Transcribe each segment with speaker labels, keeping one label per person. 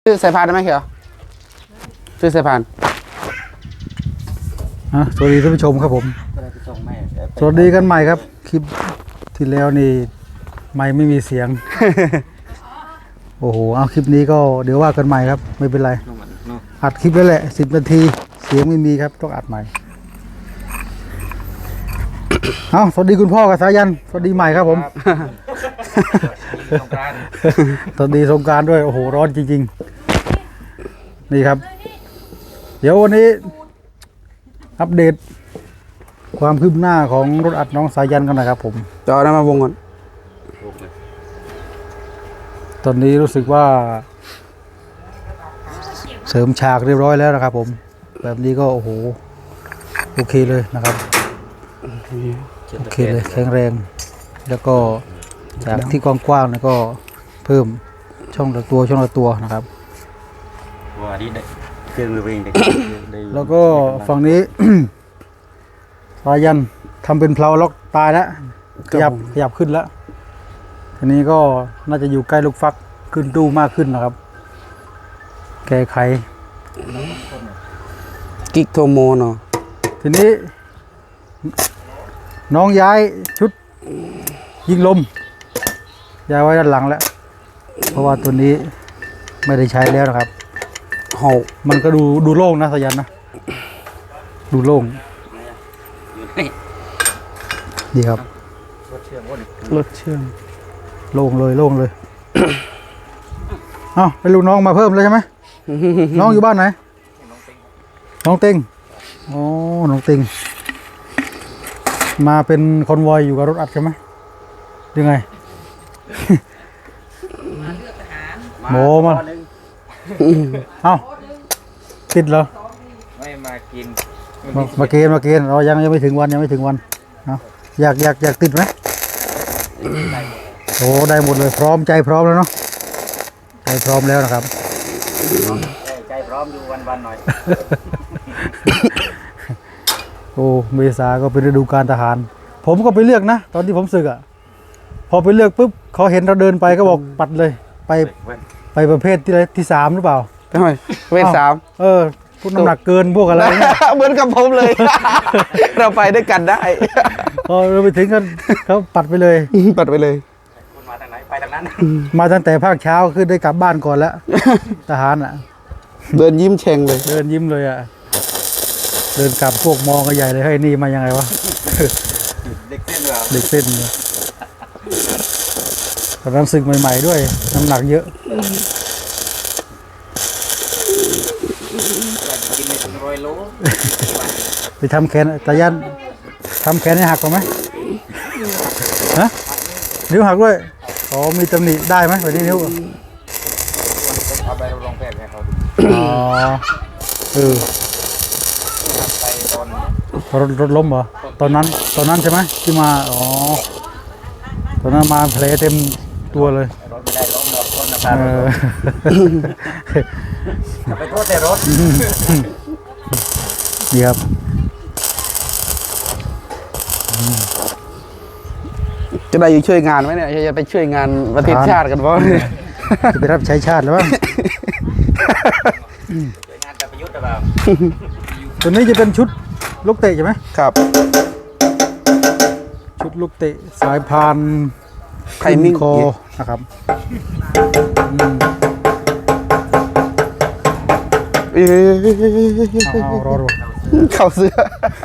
Speaker 1: ชื่อสายพานได้ไหมเขียวชื่อสายพาน
Speaker 2: สวัสดีท่านผู้ชมครับผมสวัสดีกันใหม่ครับคลิปที่แล้วนี่ไม่มีเสียง โอ้โหเอาคลิปนี้ก็เดี๋ยวว่ากันใหม่ครับไม่เป็นไรอัดคลิปไว้แหละ10 นาทีเสียงไม่มีครับต้องอัดใหม่ เอาสวัสดีคุณพ่อกับสายันสวัสดีใหม่ครับผมสวัสดีสงกรานต์ด้วยโอ้โหร้อนจริงๆนี่ครับเดี๋ยววันนี้อัปเดตความคืบหน้าของรถอัดน้องสายันกันนะครับผม
Speaker 1: จอได้มาวงก่อน
Speaker 2: ตอนนี้รู้สึกว่าเสริมฉากเรียบร้อยแล้วนะครับผมแบบนี้ก็โอ้โหโอเคเลยนะครับโอเคเลยแข็งแรงแล้วก็จากที่กว้างๆแล้วก็เพิ่มช่องละตัวนะครับ
Speaker 3: ว่าดีได้เครื่องเอง
Speaker 2: แล้วก็ฝั่งนี้ สายันทำเป็นเพลาล็อกตายแล้วขยับขึ้นแล้วทีนี้ก็น่าจะอยู่ใกล้ลูกฟักขึ้นตู้มากขึ้นนะครับแก้ไข
Speaker 1: กิกโทโมเนาะ
Speaker 2: ทีนี้น้องย้ายชุดยิงลมย้ายไว้ด้านหลังแล้วเพราะว่าตัวนี้ไม่ได้ใช้แล้วนะครับมันก็ดูโล่งนะสายันนะดูโล่งดีครับรถเชื่อมโล่งเลย เอ้าไปลูกน้องมาเพิ่มเลยใช่ไหม น้องอยู่บ้านไหนน้องเต็งอ๋อน้องเต็งมาเป็นคอนวอยอยู่กับรถอัดใช่ไหมยังไงโมมาเอ้าติดเหรอ
Speaker 3: ไม่มากิน
Speaker 2: มาเกณฑ์เรายังไม่ถึงวันเอาอยากติดไหมโอ้ได้หมดเลยพร้อมใจพร้อมแล้วเนาะใจพร้อมแล้วนะครับ
Speaker 3: ใจพร้อมอยู่วันหน่อย
Speaker 2: โอ้เมษาก็เป็นฤดูกาลทหารผมก็ไปเลือกนะตอนที่ผมศึกอ่ะพอไปเลือกปุ๊บเขาเห็นเราเดินไปก็บอกปัดเลยไปประเภทที่3หรือเปล่า
Speaker 1: ทำไมเวท3
Speaker 2: พวกน้ำหนักเกินพวกอะไร
Speaker 1: เหมือนกับผมเลย เราไปด้วยกันได้
Speaker 2: พอเราไปถึงกันเขาปัดไปเลย
Speaker 1: ปัดไปเลย
Speaker 3: คุณมาทางไหนไปทางนั้น
Speaker 2: มาตั้งแต่ภาคเช้าคือได้กลับบ้านก่อนแล้วทหารอ่ะ
Speaker 1: เดินยิ้มเชงเลย
Speaker 2: เดินยิ้มเลยอ่ะเดินกลับพวกมองกันใหญ่เลยให้นี่มายังไงวะ
Speaker 3: เด็กเส้นเหรอ
Speaker 2: เด็กเส้นตอนนั้นศึกใหม่ๆด้วยน้ำหนักเยอะ
Speaker 3: กินใน100 โล
Speaker 2: ไปทำแขนตายันทำแขนให้หักก่อนไหมฮะนิ้วหักด้วยอ๋อมีตำหนิได้ไหมแบบนี้นิ้ว
Speaker 3: เอาไปลองแพทย์ให้เขาดู
Speaker 2: อ๋อ
Speaker 3: ไปตอน
Speaker 2: รถล้มเหรอตอนนั้นใช่ไหมที่มาอ๋อตอนนั้นมาแผลเต็มตัวเลย
Speaker 3: รถไม่ได้ล้มหรอกคนนะครับไปโทษแต่รถ
Speaker 2: ดีครับ
Speaker 1: จะได้อยู่ช่วยงานไหมเนี่ยจะไปช่วยงานประเทศชาติกันบ้าง
Speaker 2: จะไปรับใช้ชาติหรือเปล่า
Speaker 3: ช่วยงานกับประยุทธ์หรือเปล่า
Speaker 2: ตัวนี้จะเป็นชุดลูกเตะใช่ไหม
Speaker 1: ครับ
Speaker 2: ชุดลูกเตะสายพาน
Speaker 1: ไทมิ่ง
Speaker 2: คอนะครับรอ
Speaker 1: เข้าเสื้อ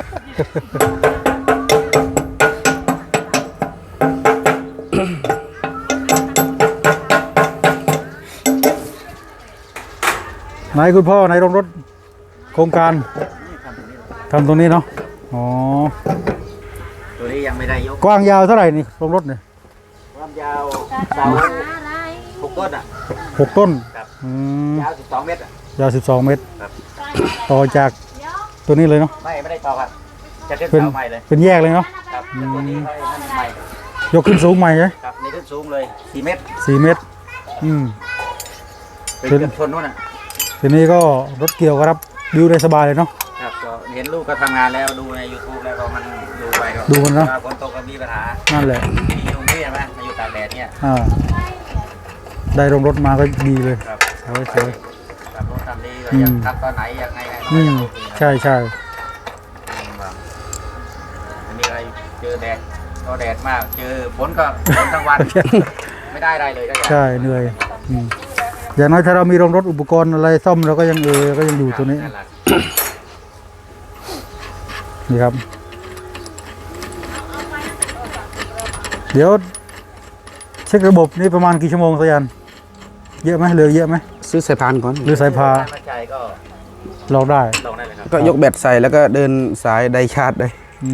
Speaker 2: ไหนคุณพ่อไหนโรงรถโครงการทำตรงนี้เนาะอ๋อ
Speaker 3: ตัวนี้ยังไม่ได้ยก
Speaker 2: กว้างยาวเท่าไหร่นี่โรงรถเนี่ย
Speaker 3: ความยาวเสา6 ต้นอ่ะ
Speaker 2: 6 ต้น
Speaker 3: ยาว12 เมตร
Speaker 2: ยาว12 เมตรต่อจากตัวนี้เลยเนาะ
Speaker 3: ไม่ได้ต่อครับจะขึ้นเสาใหม่เลย
Speaker 2: เป็นแยกเลยเนาะ
Speaker 3: ครับตัวนี้นั่นใหม่
Speaker 2: ยกขึ้นสูงใหม่ใช่
Speaker 3: ครับนี่ขึ้นสูงเลย4 เมตร
Speaker 2: 4 เมตร
Speaker 3: เป็นชนนู่นอ่ะ
Speaker 2: ทีนี้ก็รถเกี่ยวก็รับดิวได้สบายเลยเนาะ
Speaker 3: ครับก็เห็นลูกก็ทำงานแล้วดูใน YouTube แล้วก็มันดูไปก็
Speaker 2: ดูมันเนาะ
Speaker 3: ฝนตกก็มีปัญหา
Speaker 2: นั่นแหละ
Speaker 3: มียุงนี่ใช่ไหมมาอยู่ตากแดดเนี่ย
Speaker 2: ได้ลงรถมาก็ดีเลย
Speaker 3: ครับ
Speaker 2: สวย
Speaker 3: ทำดีก็อยากทำตอนไหนอยากไง
Speaker 2: ใช่ใช่
Speaker 3: อันนี้อะไรเจอแดดก็แดดมากเจอฝนก็ฝนทั้งวันไม่ได้อะไรเลยก็
Speaker 2: ใช่เหนื่อยอย่างน้อยถ้าเรามีโรงรถอุปกรณ์อะไรซ่อมเราก็ยังก็ยังอยู่ตัวนี้นี่ครับเดี๋ยวเช็คระบบนี่ประมาณกี่ชั่วโมงสยันเยอะไหมเหลือเยอะไหม
Speaker 1: ซื้อสายพานก่อน
Speaker 2: หรือสายพา
Speaker 3: ถ้าใจก็
Speaker 2: ลองได้
Speaker 3: ลงได้เลยครับ
Speaker 1: ก็ยกแบตใส่แล้วก็เดินสายไดชาร์จได้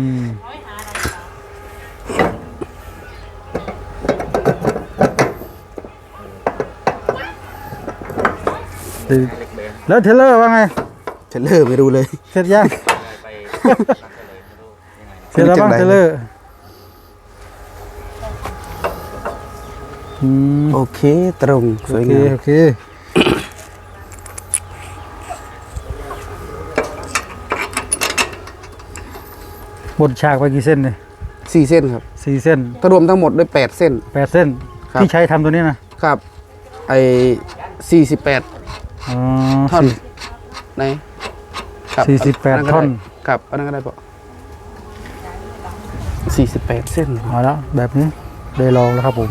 Speaker 2: แล้วเทเลอร์ว่าไง
Speaker 1: เทรลเลอร์ไม่รู้เลย
Speaker 2: เสร็จยัง
Speaker 3: ไปยังไง
Speaker 2: เสร็จแล้วบ้างเทเลอร์
Speaker 1: โอเคตรงสวย
Speaker 2: โอเค
Speaker 1: งาม
Speaker 2: โอเคหมดฉากไปกี่เส้นเนี่ย
Speaker 1: 4 เส้นครับ
Speaker 2: 4 เส้น
Speaker 1: ถ้ารวมทั้งหมดด้วย8 เส้น
Speaker 2: 8 เส้น
Speaker 1: ครับ
Speaker 2: ที่ใช้ทำตัวนี้นะครับ
Speaker 1: ไอ้48
Speaker 2: อ๋อ
Speaker 1: ท่อนไหนครับ
Speaker 2: 48 ท่อน
Speaker 1: ครับอันนั้นก็ได้ปะ48 เส้น
Speaker 2: เอาแล้วแบบนี้ได้ลองแล้วครับผม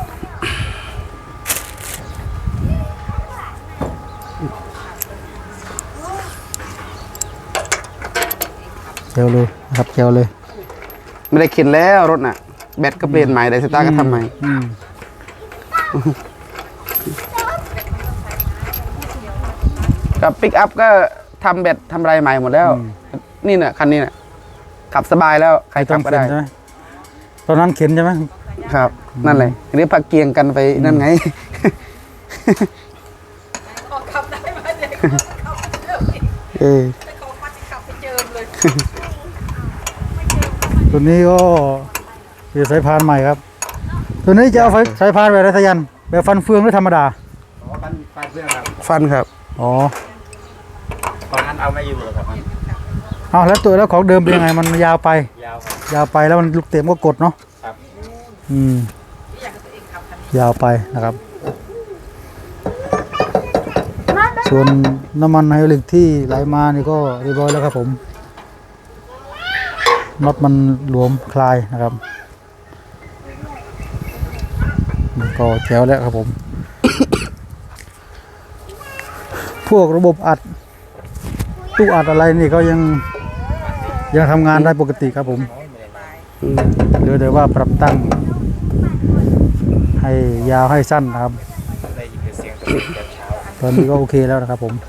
Speaker 2: เจลเลยนะครับเจลเลย
Speaker 1: ไม่ได้เข็นแล้วรถน่ะ แบตก็เปลี่ยนใหม่ไดสตาร์ก็ทำใหม่ กับปิกอัพก็ทำแบตทำอะไรใหม่หมดแล้ว นี่น่ะคันนี้น่ะขับสบายแล้วใครขับก็ได้
Speaker 2: ใช่ไหมตอนนั้นเข็นใช่ไหม
Speaker 1: ครับ นั่นเลยอันนี้พักเกียงกันไปนั่นไง
Speaker 4: ขับได้ไหมเด็กขับไปเจออีก
Speaker 1: เออ
Speaker 4: แต่เขาพัดขับไปเจอเลย
Speaker 2: ตัวนี้ก็เป็นสายพานใหม่ครับ ตัวนี้จะเอาสายพานแบบไรสยันแบบฟันเฟืองหรือธรรมดา
Speaker 3: ฟันเพื่อนครับ
Speaker 1: ฟันครับ
Speaker 2: อ๋อ
Speaker 3: ตอนนั้นเอาไม่อยู่หรอกครับ
Speaker 2: เอาแล้วตัวแล้วของเดิมเป็นยังไงมันยาวไป
Speaker 3: ยาวครับ
Speaker 2: ยาวไปแล้วมันลูกเต็มก็กดเนาะ
Speaker 3: ครับ
Speaker 2: ยาวไปนะครับ ส่วนน้ำมันไฮดรอลิกที่ไหลมานี่ก็เรียบร้อยแล้วครับผมน็อตมันหลวมคลายนะครับมันก็แจ๋วแล้วครับผม พวกระบบอัดตู้อัดอะไรนี่ก็ยังทำงานได้ปกติครับผมเหลือแต่ว่าปรับตั้งให้ยาวให้สั้นนะครับ
Speaker 3: ได้ยินเสียงแต่เช้า
Speaker 2: ตอนนี้ก็โอเคแล้วนะครับผม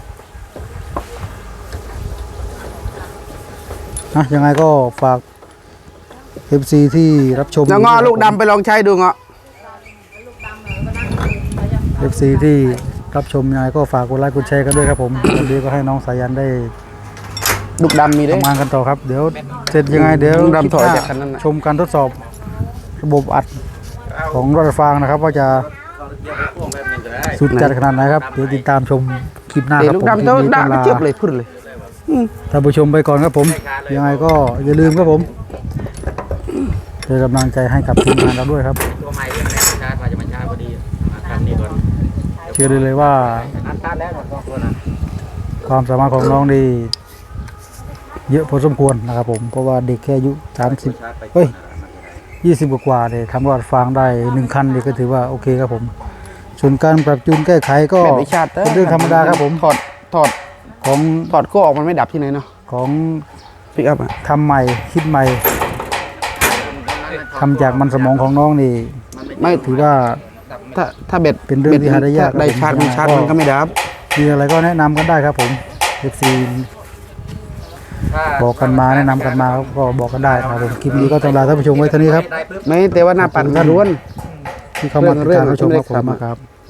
Speaker 2: ยังไงก็ฝาก FC ที่รับชม
Speaker 1: แล้วงอลูกดำไปลองใช้ดูเงาะ
Speaker 2: FC ที่รับชมยังไงก็ฝากกดไลค์กดแชร์กันด้วยครับผมวันนี้ก็ให้น้องสายันได้
Speaker 1: ลูกดำมีด้วย
Speaker 2: ทำงานกันต่อครับ เดี๋ยวเสร็จยังไงเดี๋ยว
Speaker 1: ลุงดำถอยจากคันนั้นน่ะ
Speaker 2: ชมการทดสอบระบบอัดของรถไฟฟ้านะครับว่าจะ
Speaker 3: เดี๋ยวไปพ่วงแบบนึงก็ได้
Speaker 2: สุดจัดขนาดไหนครับเดี๋ยวติดตามชมคลิปหน้าค
Speaker 1: เดี๋ย
Speaker 2: รั
Speaker 1: ว
Speaker 2: บ
Speaker 1: ลูก
Speaker 2: ผม
Speaker 1: ดำ
Speaker 2: คลิ
Speaker 1: เจ้า
Speaker 2: ปนี้
Speaker 1: ด่า
Speaker 2: ต้อง
Speaker 1: ก็
Speaker 2: ลา
Speaker 1: เจ็บเลยพูดเลย
Speaker 2: ท่านผู้ชมไปก่อนครับผมยังไงก็อย่าลืมครับผมเป็นกำลังใจให้กับทีมงานเราด้วยครับ
Speaker 3: ตัวใหม่ยังไม่ได้ชาร์จว่าจะมาชาร์จพอดีคันนี้ก่อน
Speaker 2: เชื่อได้เลยว่า
Speaker 3: นัดชาร์จแล้วก่อนตัวนั้น
Speaker 2: ความสามารถของน้องนี่เยอะพอสมควรนะครับผมเพราะว่าเด็กแค่อายุ30เฮ้ย20กว่าๆเนี่ยทำรอดฟางได้1คันนี่ก็ถือว่าโอเคครับผมส่วนการปรับจูนแก้ไขก็
Speaker 1: แบตวิชาร์จ
Speaker 2: เป็นเรื่องธรรมดาครับผม
Speaker 1: ถอด
Speaker 2: ของ
Speaker 1: ก็ออกมันไม่ดับที่ไหนเนาะ
Speaker 2: ของ
Speaker 1: ปิกอัพอ่ะ
Speaker 2: ทำใหม่คิดใหม่ทำจากมันสมองของน้องนี่
Speaker 1: ไม่
Speaker 2: ถือว่า
Speaker 1: ถ้าเบ็ด
Speaker 2: เป็นเรื่องที่หาได้ยาก
Speaker 1: ได้ชาร์จมันชาร์จมันก็ไม่ดับ
Speaker 2: มีอะไรก็แนะนำกันได้ครับผม FC บอกกันมาแนะนำกันมาก็บอกกันได้นะครับผมคลิปนี้ก็ต้องลาท่านผู้ชมไว้เท่านี้ครับ
Speaker 1: ไม่แต่ว่าหน้าปั่น
Speaker 2: ขอบคุณท่าน
Speaker 1: ล้วน
Speaker 2: ที่เข้ามาติดตามรับชมครับผมมากครับ